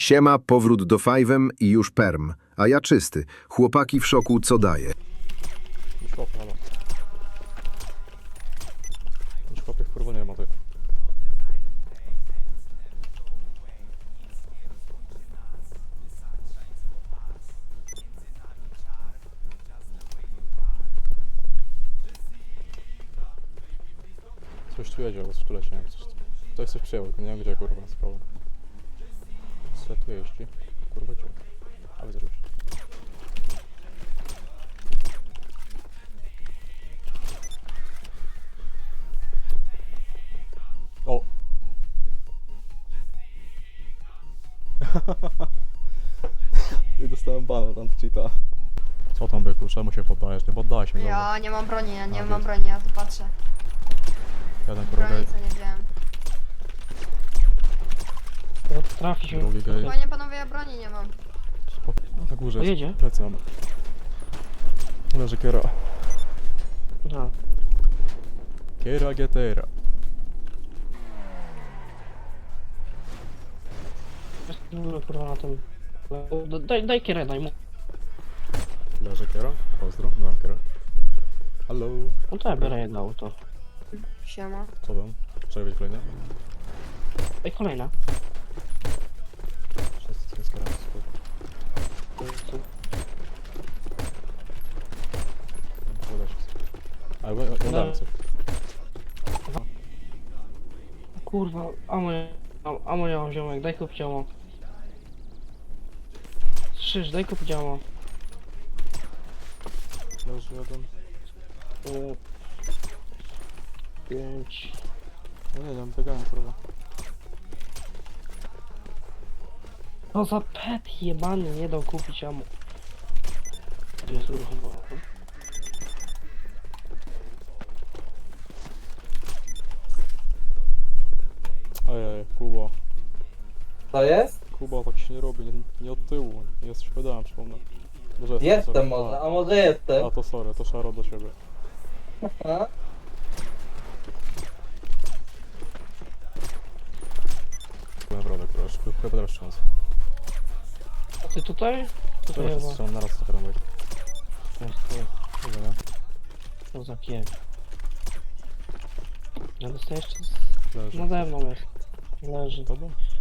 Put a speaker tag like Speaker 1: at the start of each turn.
Speaker 1: Siema, powrót do Five'em i już perm. A ja czysty. Chłopaki w szoku, co daje.
Speaker 2: Już chłopy, halo. Już chłopych kurwa nie ma, ty. Coś tu jedzie, ale coś tu leci, nie wiem, coś przyjęło, tylko nie wiem gdzie, kurwa, sprawa. Co tu jeździ? Kurwa, gdzie? A widzę, że już. O! I dostałem bana tam cheata. Co tam byku, czemu się poddajesz? Nie poddałeś mi.
Speaker 3: Ja nie mam broni, ja nie
Speaker 2: A,
Speaker 3: mam
Speaker 2: wiesz.
Speaker 3: broni, ja tu patrzę.
Speaker 2: Jeden kurwa
Speaker 3: Broni
Speaker 2: gej,
Speaker 3: co nie wziąłem.
Speaker 4: Trafi się.
Speaker 2: drugi gej.
Speaker 3: Panie panowie, ja broni nie mam.
Speaker 2: Na górze jest.
Speaker 4: Jedzie?
Speaker 2: Plecy mam. Leży kiera.
Speaker 4: No.
Speaker 2: Kiera getera.
Speaker 4: No kurwa na tym. Daj kierę, daj mu.
Speaker 2: Leży kiera. Pozdro. Byłem kiera. Halo.
Speaker 4: No to ja biorę jedno auto.
Speaker 3: Siema.
Speaker 2: Co tam? Czekaj, być kolejne?
Speaker 4: Ej, kolejna.
Speaker 2: Wszyscy jest kiera. Ale oddamy coś.
Speaker 4: Kurwa, amo nie mam ziomek, daj kup działo. Krzyż, daj kup działo.
Speaker 2: Leży jeden.
Speaker 4: 5.
Speaker 2: No nie wiem, biegałem kurwa.
Speaker 4: No za pet jebany nie dał kupić amo. Gdzie jest uruchomiony?
Speaker 2: Ojej, Kuba.
Speaker 5: To jest?
Speaker 2: Kuba tak się nie robi, nie od tyłu. Nie jesteś pedałem, przypomnę. Może
Speaker 5: Jestem
Speaker 2: sorry.
Speaker 5: może, a może jestem.
Speaker 2: A to sorry, to szaro do siebie.
Speaker 5: A?
Speaker 2: Naprawdę, kurwa, chyba teraz szans.
Speaker 4: A ty tutaj? Tutaj
Speaker 2: Teraz się
Speaker 4: chyba.
Speaker 2: strzelam naraz trochę rąbek. Chyba nie?
Speaker 4: Co za piek. Ja dostajesz jeszcze
Speaker 2: Leży.
Speaker 4: nade mną jest. Leży.
Speaker 2: Tobą?